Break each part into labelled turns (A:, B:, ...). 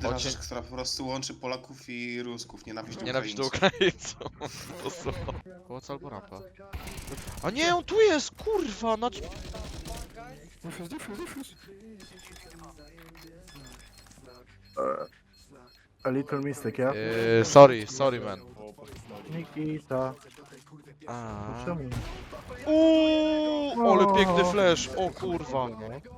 A: jedyna
B: Chodźcie.
A: rzecz, która po prostu łączy Polaków i Rusków. Nienawiść do
B: Nienawiść do
A: Ukraińców.
B: Ukraińców. To są. Pomoc albo rampa. A nie, on tu jest, kurwa, na...
C: A little mistake, yeah?
B: Sorry man.
C: Nikita.
B: A.
C: Czemu?
B: Ale piękny flash, o kurwa.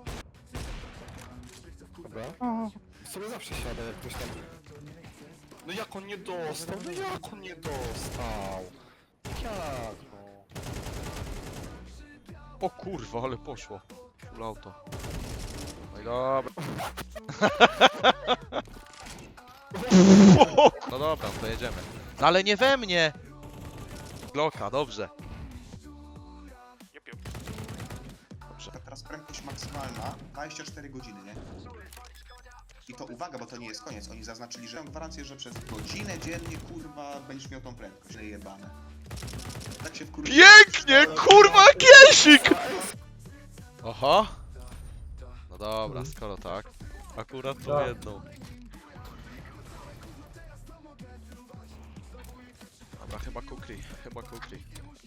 D: Dobra. Sobie zawsze siada jak ktoś tam... No jak on nie dostał? No jak on nie dostał? Jak no?
B: O kurwa, ale poszło. Full auto. No i dobra. No dobra, to jedziemy. No ale nie we mnie! Glocka, dobrze. Dobrze.
A: Teraz prędkość maksymalna 24 godziny, nie? I to uwaga, bo to nie jest koniec. Oni zaznaczyli, że mają gwarancję, że przez godzinę dziennie, kurwa, będziesz miał tą prędkość. Jebane. Tak się wkurwa.
B: Pięknie, kurwa, kiesik! Oho. No dobra, skoro tak. Akurat tą
C: Tak.
B: jedną. Dobra, chyba kukli, chyba kukli.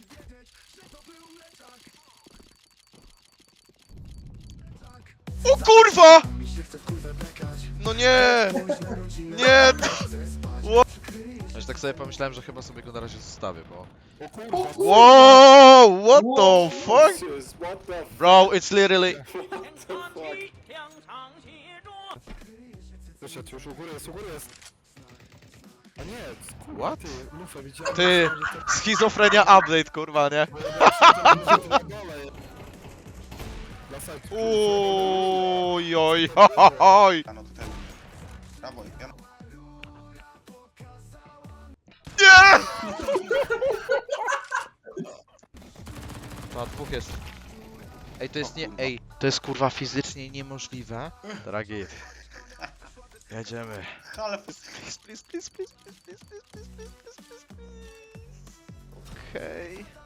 B: O kurwa! No nie! Nie! Ja tak sobie pomyślałem, że chyba sobie go na razie zostawię, bo...
D: O kurwa!
B: Wow! What the fuck?
D: Jesus, what the f...
B: Bro, it's literally...
D: What the fuck? Wyszedł już, u góry jest. A nie, kurwa,
B: What?
D: ty, lufę widziałem.
B: Ty, schizofrenia update, kurwa, nie? Uj, oj, oj.
A: Jano tutaj. Brawo, Jano.
B: Nie! No, dwóch jest. Ej, to jest nie... Ej, to jest kurwa fizycznie niemożliwe. Dragi. Jedziemy.
A: Ale
B: Please. Okej.